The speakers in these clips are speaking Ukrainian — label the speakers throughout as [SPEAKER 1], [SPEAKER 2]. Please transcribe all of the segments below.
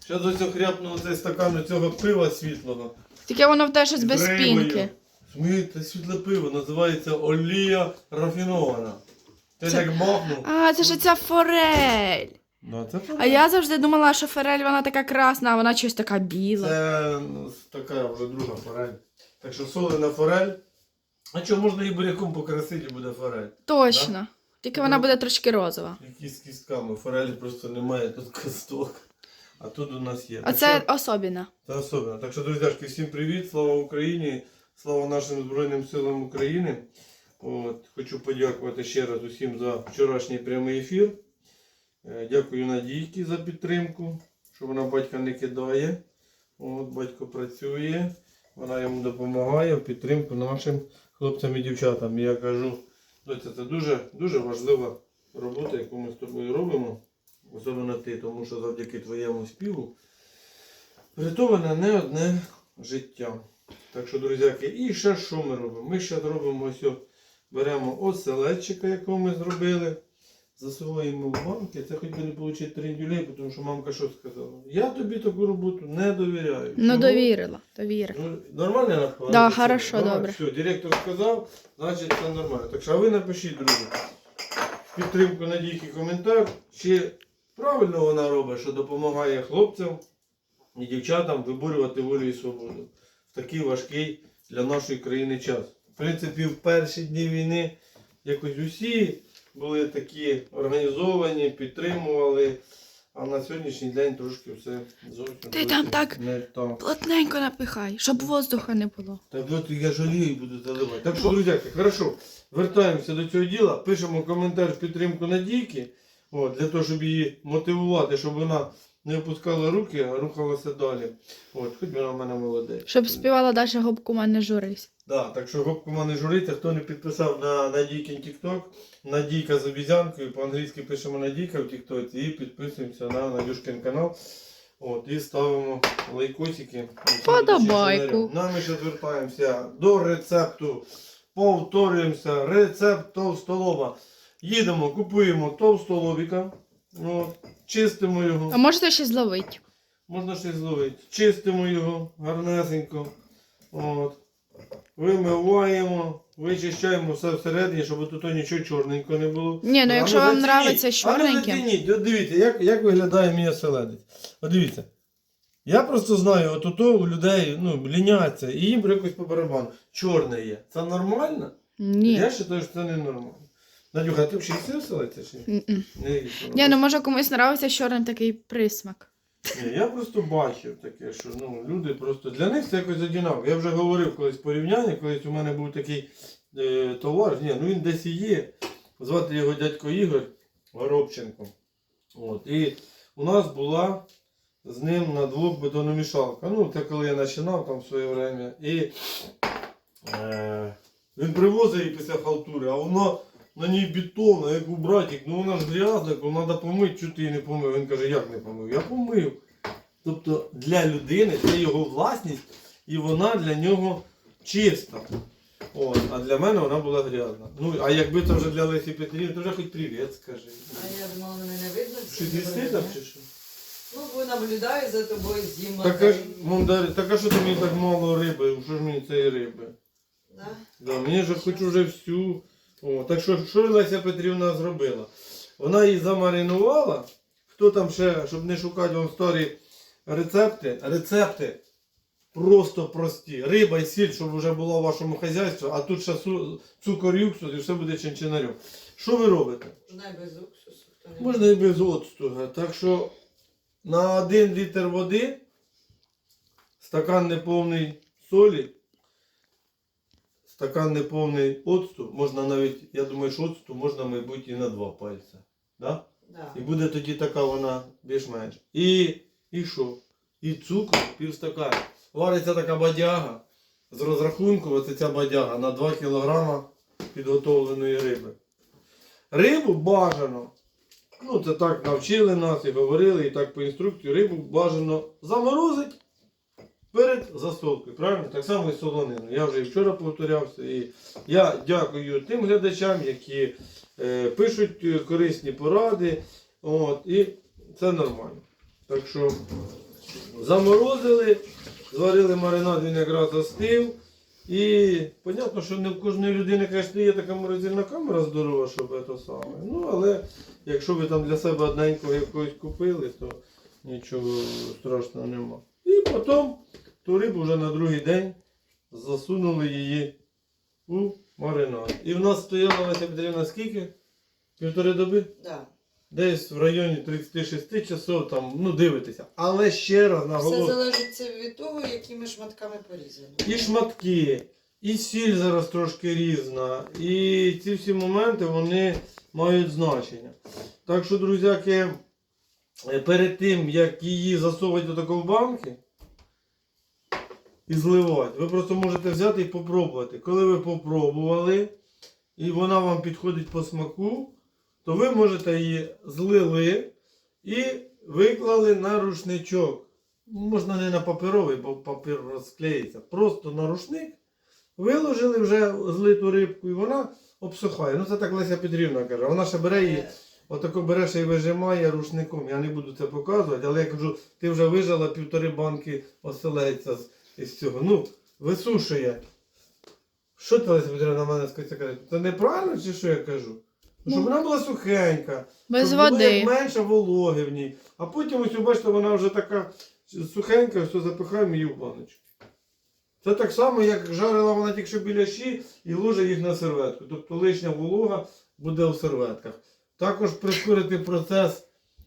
[SPEAKER 1] Зараз ось хряпну цей стакан цього пива світлого.
[SPEAKER 2] Тільки воно в те щось без спінки.
[SPEAKER 1] Це світле пиво, називається олія рафінована. Ти так бахнув.
[SPEAKER 2] А, це ж ця форель.
[SPEAKER 1] Да, це форель.
[SPEAKER 2] А я завжди думала, що форель вона така красна, а вона щось така біла.
[SPEAKER 1] Це така вже друга форель. Так що солена форель. А що, можна і буряком покрасити, і буде форель.
[SPEAKER 2] Точно.
[SPEAKER 1] Да?
[SPEAKER 2] Тільки вона буде трошки розова.
[SPEAKER 1] Які з кістками. Форелі просто немає тут кісток. А тут у нас є.
[SPEAKER 2] А це особіна.
[SPEAKER 1] Це особливо. Так що, друзяшки, всім привіт, слава Україні, слава нашим Збройним силам України. От, хочу подякувати ще раз усім за вчорашній прямий ефір. Дякую Надійці за підтримку, що вона батька не кидає. От, батько працює, вона йому допомагає в підтримку нашим хлопцям і дівчатам. І я кажу, доця, це дуже важлива робота, яку ми з тобою робимо. Особливо ти, тому що завдяки твоєму співу врятоване не одне життя. Так що, друзяки, і ще що ми робимо? Ми ще робимо ось, беремо оселедчика, якого ми зробили, засуваємо в банки. Це хоч би не отримати трендюлей, тому що мамка що сказала? Я тобі таку роботу не довіряю.
[SPEAKER 2] Ну,
[SPEAKER 1] Чому?
[SPEAKER 2] довірила.
[SPEAKER 1] Ну, нормально я напевно?
[SPEAKER 2] Да, хорошо, добре.
[SPEAKER 1] Все, директор сказав, значить це нормально. Так що, а ви напишіть, друзі, в підтримку Надійки коментар, чи правильно вона робить, що допомагає хлопцям і дівчатам виборювати волю і свободу в такий важкий для нашої країни час. В принципі, в перші дні війни якось усі були такі організовані, підтримували, а на сьогоднішній день трошки все зовсім
[SPEAKER 2] Ти там так
[SPEAKER 1] не так.
[SPEAKER 2] плотненько напихай, щоб воздуха не було.
[SPEAKER 1] Так от я жалію і буду заливати. Так що, друзяки, хорошо, вертаємося до цього діла, пишемо коментар в підтримку Надійки, от, для того, щоб її мотивувати, щоб вона не опускала руки, а рухалася далі. От, хоч вона в мене молодець.
[SPEAKER 2] Щоб співала далі губку не журись.
[SPEAKER 1] Да, так що гопку мене журиться, хто не підписав на Надійкин TikTok, Надійка з обізянкою, по-англійськи пишемо Надійка в TikTok і підписуємося на Надюшкин канал. От, і ставимо лайкосики.
[SPEAKER 2] Подобайку.
[SPEAKER 1] Ми ще звертаємося до рецепту. Повторюємося. Рецепт товстолоба. Їдемо, купуємо товстолобіка. От, чистимо його.
[SPEAKER 2] А можете ще зловити.
[SPEAKER 1] Можна ще зловити. Чистимо його гарнесенько. От. Вимиваємо, вичищаємо все всередині, щоб тут нічого чорненького не було.
[SPEAKER 2] Ні, ну якщо вам подобається з
[SPEAKER 1] А ну
[SPEAKER 2] чорненьким.
[SPEAKER 1] зацініть, от дивіться, як виглядає мій оселедець. От дивіться. Я просто знаю, от ото у людей ліняться, і їм якось по барабану. Чорне є. Це нормально?
[SPEAKER 2] Ні.
[SPEAKER 1] Я вважаю, що це не нормально. Надюха, а ти взагалі їси оселедця чи ні? Не їси.
[SPEAKER 2] Ні, ну може комусь подобається чорний такий присмак.
[SPEAKER 1] Ні, я просто бачив таке, що люди просто, для них це якось одинаково. Я вже говорив колись порівняння, колись у мене був такий товар, він десь і є, звати його дядько Ігор Горобченко. От, і у нас була з ним на двох бетономішалка. Це коли я починав там в своє время. І він привозив її після халтури, а воно на ній бетонна, як у братик, вона ж грязна, треба помити, чого ти її не помив. Він каже, як не помив? Я помив. Тобто для людини це його власність і вона для нього чиста. От, а для мене вона була грязна. А якби це вже для Лесі Петрівни, то вже хоч привіт скажи.
[SPEAKER 3] А я думала, мене не видно.
[SPEAKER 1] Щось їсти там чи що?
[SPEAKER 3] Бо наблюдаю за тобою з Дімою.
[SPEAKER 1] Так а що ти мені так мало риби? Що ж мені цієї риби?
[SPEAKER 3] Да?
[SPEAKER 1] Да, мені ж хочу вже всю. Так що Леся Петрівна зробила? Вона її замаринувала. Хто там ще, щоб не шукати вам старі рецепти просто прості. Риба і сіль, щоб вже була в вашому хазяйстві, а тут ще цукор і уксус і все буде чинчинарем. Що ви робите?
[SPEAKER 3] Можна і без уксусу.
[SPEAKER 1] Можна і без оцту. Так що на 1 літр води стакан неповний солі, стакан неповний оцту, можна навіть, я думаю, що оцту можна, мабуть, і на 2 пальця. Да?
[SPEAKER 3] Да.
[SPEAKER 1] І буде тоді така вона більш-менш. І що? І цукор півстакана. Вариться така бадяга. З розрахунку, оце ця бадяга на 2 кг підготовленої риби. Рибу бажано. Це так навчили нас і говорили, і так по інструкції. Рибу бажано заморозити перед засолкою. Правильно? Так само і солонину. Я вже і вчора повторявся. І я дякую тим глядачам, які пишуть корисні поради. І це нормально. Так що Заморозили, зварили маринад, він якраз остив. І понятно, що не в кожної людини, звісно, є така морозильна камера здорова, щоб це саме. Ну, але якщо ви там для себе одненького якогось купили, то нічого страшного нема. І потім ту рибу вже на другий день засунули її у маринад. І в нас стояла Леся Петрівна скільки? 1,5 доби?
[SPEAKER 3] Да.
[SPEAKER 1] Десь в районі 36 часов, там, ну дивитися. Але ще раз
[SPEAKER 3] Все
[SPEAKER 1] наголошую.
[SPEAKER 3] залежить від того, якими шматками порізано.
[SPEAKER 1] І шматки, і сіль зараз трошки різна. І ці всі моменти вони мають значення. Так що, друзяки, перед тим, як її засовувати до такої банки і зливати, ви просто можете взяти і попробувати. Коли ви попробували, і вона вам підходить по смаку, то ви можете її злили і виклали на рушничок. Можна не на паперовий, бо папір розклеїться. Просто на рушник виложили вже злиту рибку і вона обсухає. Ну це так Леся Петрівна каже. Вона ще бере її, отако бере ще і вижимає рушником. Я не буду це показувати, але я кажу, ти вже вижила 1,5 банки оселедця із цього. Ну, висушує. Що ти, Леся Петрівна, на мене каже? Це неправильно чи що я кажу? Щоб вона була сухенька,
[SPEAKER 2] Без
[SPEAKER 1] щоб було
[SPEAKER 2] води.
[SPEAKER 1] як менше вологи в ній. А потім ось, бачите, вона вже така сухенька, все запихаємо її в баночку. Це так само, як жарила вона тільки що біляші і ложить їх на серветку. Тобто лишня волога буде в серветках. Також прискорити процес.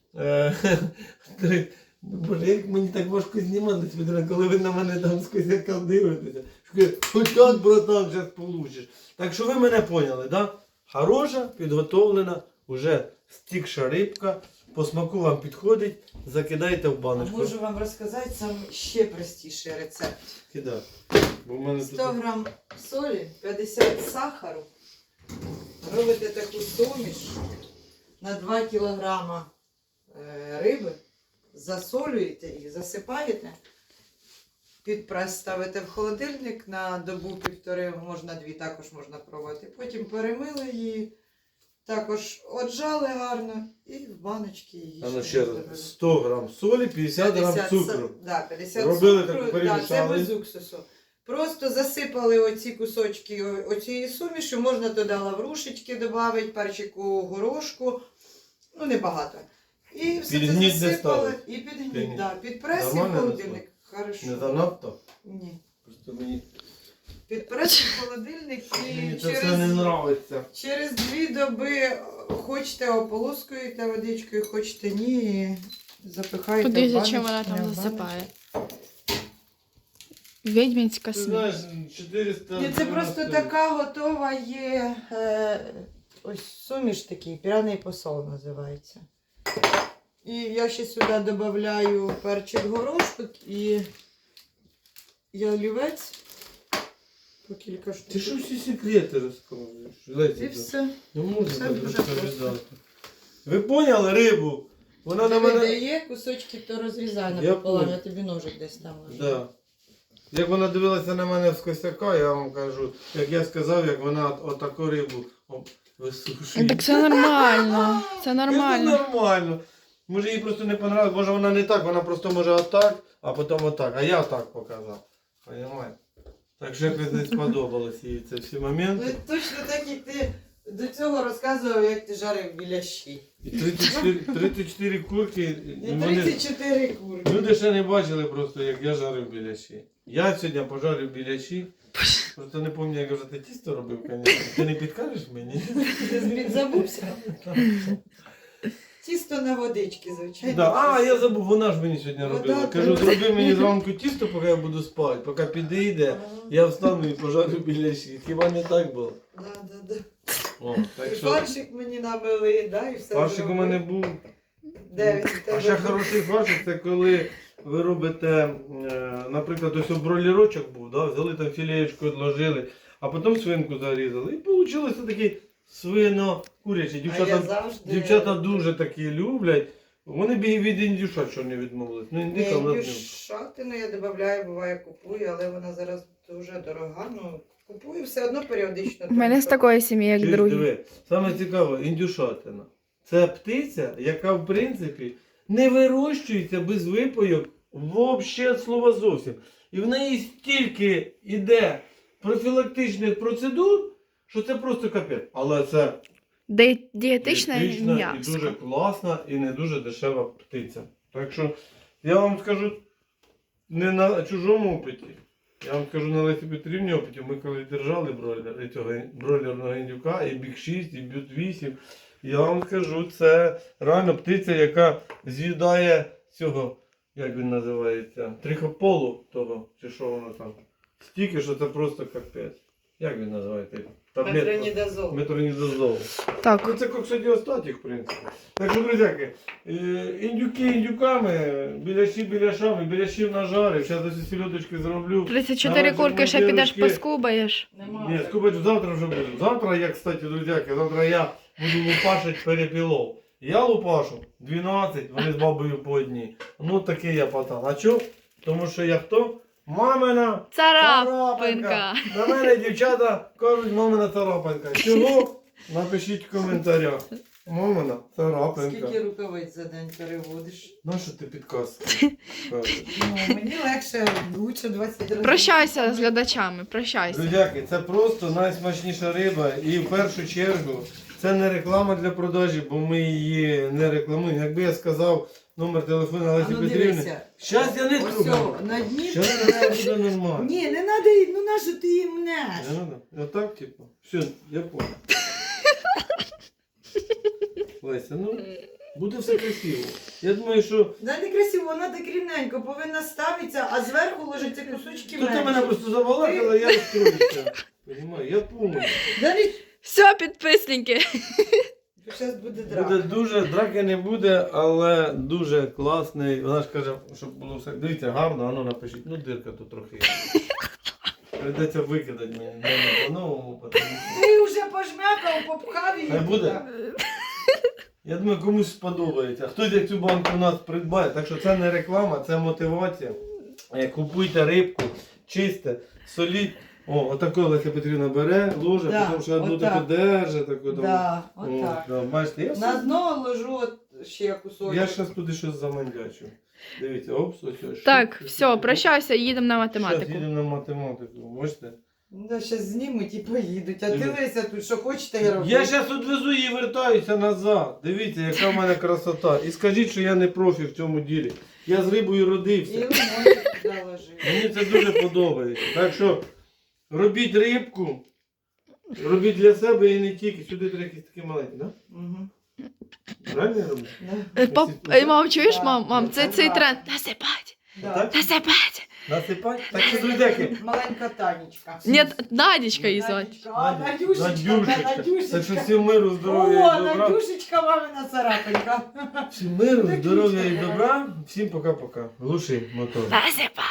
[SPEAKER 1] Боже, як мені так важко знімати, коли ви на мене там з косяка дивитеся. Хоч от, братан, зараз получиш. Так що ви мене поняли, да? Хороша, підготовлена, вже стікша рибка. По смаку вам підходить, закидайте в
[SPEAKER 3] А
[SPEAKER 1] баночку.
[SPEAKER 3] можу вам розказати сам ще простіший рецепт.
[SPEAKER 1] Кидай. Бо в мене
[SPEAKER 3] 100 грам солі, 50 сахару. Робите таку суміш на 2 кілограма риби, засолюєте їх, засипаєте, під прес ставите в холодильник на добу-півтори, можна 2, також можна пробувати. Потім перемили її, також отжали гарно і в баночки її.
[SPEAKER 1] А ну ще раз, 100 грам солі, 50 грам цукру.
[SPEAKER 3] Да, 50
[SPEAKER 1] Робили
[SPEAKER 3] цукру,
[SPEAKER 1] так,
[SPEAKER 3] да, це
[SPEAKER 1] перемішали.
[SPEAKER 3] без уксусу. Просто засипали оці кусочки оцієї суміші, можна туди лаврушечки додати, перчику, горошку, ну небагато. І все
[SPEAKER 1] Під
[SPEAKER 3] це
[SPEAKER 1] гніт не
[SPEAKER 3] засипали.
[SPEAKER 1] ставили?
[SPEAKER 3] І під
[SPEAKER 1] Під
[SPEAKER 3] гніт,
[SPEAKER 1] гніт.
[SPEAKER 3] да. Під прес і в
[SPEAKER 1] Нормально
[SPEAKER 3] холодильник. Хорошо.
[SPEAKER 1] Не занадто?
[SPEAKER 3] Ні.
[SPEAKER 1] Просто мені
[SPEAKER 3] Під прес і в холодильник
[SPEAKER 1] мені
[SPEAKER 3] і
[SPEAKER 1] це все не подобається.
[SPEAKER 3] через 2 доби хочете ополоскуєте водичкою, хочете ні, і запихаєте
[SPEAKER 2] Куди
[SPEAKER 3] в
[SPEAKER 2] зачем
[SPEAKER 3] баночки,
[SPEAKER 2] вона там
[SPEAKER 3] в
[SPEAKER 2] засипає? Відьмінська
[SPEAKER 1] Ти
[SPEAKER 2] смерть.
[SPEAKER 1] знаєш, 400...
[SPEAKER 3] Ні, це просто така готова є ось суміш такий, пряний посол називається. І я ще сюди додаю перчик горошку і ялівець по кілька штук.
[SPEAKER 1] Ти що всі секрети розказуєш? Леся,
[SPEAKER 3] І все.
[SPEAKER 1] не можна
[SPEAKER 3] Все
[SPEAKER 1] так
[SPEAKER 3] дуже
[SPEAKER 1] розповідати. Ви поняли рибу? Вона на
[SPEAKER 3] Диви,
[SPEAKER 1] мене...
[SPEAKER 3] де є кусочки, то розрізай
[SPEAKER 1] Я
[SPEAKER 3] напополам,
[SPEAKER 1] понял.
[SPEAKER 3] я тобі ножик десь там ложу.
[SPEAKER 1] Да. Як вона дивилася на мене з косяка, я вам кажу, як я сказав, як вона отаку рибу висушує.
[SPEAKER 2] Так це нормально. Це
[SPEAKER 1] Це
[SPEAKER 2] нормально.
[SPEAKER 1] нормально. Може їй просто не понравилось, може вона не так, вона просто може отак, а потім отак. А я так показав. Понимаєте? Так що якось не сподобалось їй це всі
[SPEAKER 3] Ну,
[SPEAKER 1] моменти.
[SPEAKER 3] точно так, як ти до цього розказував, як ти жарив біляші.
[SPEAKER 1] І 34 курки.
[SPEAKER 3] І
[SPEAKER 1] Вони...
[SPEAKER 3] 34 курки.
[SPEAKER 1] Люди ще не бачили просто, як я жарив біляші. Я сьогодні пожарив біляші. Просто не пам'ятаю, як вже ти тісто робив, звісно. Ти не підкажеш мені?
[SPEAKER 3] Ти забувся? Тісто на водички, звичайно.
[SPEAKER 1] Да. А, я забув, вона ж мені сьогодні
[SPEAKER 3] Вода
[SPEAKER 1] робила. Кажу,
[SPEAKER 3] треба.
[SPEAKER 1] зроби мені зранку тісто, поки я буду спати. Поки підійде, я встану і пожарю біляші. Хіба не так було?
[SPEAKER 3] Да.
[SPEAKER 1] О, так
[SPEAKER 3] І
[SPEAKER 1] що
[SPEAKER 3] фаршик мені намили, да, і все.
[SPEAKER 1] фаршик у
[SPEAKER 3] зробили.
[SPEAKER 1] мене був.
[SPEAKER 3] Де він у
[SPEAKER 1] А
[SPEAKER 3] тебе
[SPEAKER 1] ще
[SPEAKER 3] був?
[SPEAKER 1] хороший фаршик, це коли ви робите, наприклад, ось бройлерочок був, да? Взяли там філеєчку, відложили, а потім свинку зарізали. І вийшло такий свино-курячий.
[SPEAKER 3] А я завжди...
[SPEAKER 1] Дівчата дуже такі люблять. Вони б і від індюша що не відмовились. Ну, індика в нас не.
[SPEAKER 3] Шатину я додаю, буває купую, але вона зараз дуже дорога. Ну, купую все одно періодично.
[SPEAKER 2] У мене з такої сім'ї, як
[SPEAKER 1] Чуєш,
[SPEAKER 2] другі.
[SPEAKER 1] диви, саме цікаве, індюшатина. Це птиця, яка в принципі не вирощується без випойок Вообще слова зовсім. І в неї стільки іде профілактичних процедур, що це просто капець. Але це
[SPEAKER 2] Дієтичне
[SPEAKER 1] дієтична і
[SPEAKER 2] м'ясо.
[SPEAKER 1] дуже класна і не дуже дешева птиця. Так що я вам скажу не на чужому опиті. Я вам скажу на Лесі Петрівні опиті. Ми коли держали бройлерного індюка, і Біг 6, і Бют 8. Я вам скажу, це реально птиця, яка з'їдає цього, як він називається, трихополу того, чи що воно там. Стільки, що це просто капець. Як він називається?
[SPEAKER 3] Метронідазол.
[SPEAKER 1] Метронідазол. Ну
[SPEAKER 2] Так.
[SPEAKER 1] це коксодіостатік, в принципі. Так що, друзяки, індюки індюками, біляшами, біляшів нажарив. Зараз ось сільодочки зроблю.
[SPEAKER 2] 34
[SPEAKER 1] Давайте,
[SPEAKER 2] курки ще
[SPEAKER 1] мої
[SPEAKER 2] підеш
[SPEAKER 1] дівчатки.
[SPEAKER 2] поскубаєш.
[SPEAKER 3] Нема.
[SPEAKER 1] Ні, скубач завтра вже буду. Завтра я, кстати, друзяки, завтра я буду лупашити перепілов. Я лупашу 12, вони з бабою по одній. Ну такий я пацан. А чо? Тому що я хто? Мамина
[SPEAKER 2] Царапинка.
[SPEAKER 1] На мене дівчата кажуть, мамина царапинка. Чого? Напишіть в коментарях. Мамина царапинка.
[SPEAKER 3] Скільки рукавиць за день переводиш?
[SPEAKER 1] Ну що ти підказ?
[SPEAKER 3] Ну, мені легше, лучше 20 разів.
[SPEAKER 2] Прощайся з глядачами, прощайся.
[SPEAKER 1] Друзяки, це просто найсмачніша риба. І в першу чергу це не реклама для продажі, бо ми її не рекламуємо. Якби я сказав номер телефону
[SPEAKER 3] А
[SPEAKER 1] Лесі
[SPEAKER 3] ну
[SPEAKER 1] Петрівни.
[SPEAKER 3] дивися.
[SPEAKER 1] Щас я не
[SPEAKER 3] Ось
[SPEAKER 1] трубаю.
[SPEAKER 3] цього, на дні.
[SPEAKER 1] Щас це буде нормально.
[SPEAKER 3] Ні, не треба, ну нащо ти їм мнеш?
[SPEAKER 1] Не надо? Отак, типу. Все, я понял. Леся, ну, буде все красиво. Я думаю, що...
[SPEAKER 3] Да не красиво, вона так рівненько повинна ставитися, а зверху ложаться кусочки
[SPEAKER 1] Тут ти мене
[SPEAKER 3] менше.
[SPEAKER 1] просто забалакала, я розстроївся. Понимаю, я понял.
[SPEAKER 3] Да не...
[SPEAKER 2] Все, підписники.
[SPEAKER 3] Зараз буде драка.
[SPEAKER 1] Буде дуже, драки не буде, але дуже класний. Вона ж каже, щоб було все. Дивіться, гарно, а ну напишіть. Ну, дирка тут трохи. Придеться викидати мені. Не по-новому, тому що...
[SPEAKER 3] Ти вже пожмякав, попхав її.
[SPEAKER 1] Хай буде.
[SPEAKER 3] туди.
[SPEAKER 1] Я думаю, комусь сподобається. Хтось як цю банку у нас придбає. Так що це не реклама, це мотивація. Купуйте рибку, чисте, соліть. О, отако Леся Петрівна бере, ложе,
[SPEAKER 3] Да,
[SPEAKER 1] потім ще одну
[SPEAKER 3] отак.
[SPEAKER 1] таку держи, таку там.
[SPEAKER 3] Да,
[SPEAKER 1] О,
[SPEAKER 3] отак.
[SPEAKER 1] да, бачите, я,
[SPEAKER 3] На дно ложу от ще кусочок.
[SPEAKER 1] я зараз туди щось замандячу. Дивіться, опс, ось.
[SPEAKER 2] Так, все, прощайся, їдемо на
[SPEAKER 1] Зараз
[SPEAKER 2] математику.
[SPEAKER 1] їдемо на математику, бачите?
[SPEAKER 3] Да, зараз знімуть і поїдуть. А
[SPEAKER 1] Дивіться.
[SPEAKER 3] дивися тут, що хочете я роблю.
[SPEAKER 1] Я зараз відвезу її і вертаюся назад. Дивіться, яка в мене красота. І скажіть, що я не профі в цьому ділі. Я з рибою
[SPEAKER 3] І
[SPEAKER 1] родився.
[SPEAKER 3] лимончик туди ложи.
[SPEAKER 1] Мені це дуже подобається. Так що робіть рибку, робіть для себе і не тільки. Сюди треба якісь такі маленькі, так?
[SPEAKER 3] Мгм.
[SPEAKER 1] Да? Правильно я роблю?
[SPEAKER 3] Да.
[SPEAKER 2] Мам, чуєш,
[SPEAKER 3] Да,
[SPEAKER 2] мам, це
[SPEAKER 3] да.
[SPEAKER 2] цей тренд. Насипать,
[SPEAKER 3] Да.
[SPEAKER 1] Так?
[SPEAKER 2] насипать.
[SPEAKER 1] Насипати? Так що, друзяки.
[SPEAKER 3] Маленька Танечка.
[SPEAKER 2] Ні, Надічка її звати.
[SPEAKER 3] Надюшечка, а, Надюшечка,
[SPEAKER 1] Надюшечка.
[SPEAKER 3] Надюшечка.
[SPEAKER 1] Так що всім миру, здоров'я
[SPEAKER 3] О,
[SPEAKER 1] і добра.
[SPEAKER 3] Надюшечка, мамина царапинка.
[SPEAKER 1] Всім миру,
[SPEAKER 3] Так,
[SPEAKER 1] здоров'я і
[SPEAKER 3] Надюшка.
[SPEAKER 1] добра. Всім пока-пока. Глуши мотор.
[SPEAKER 2] Насипать.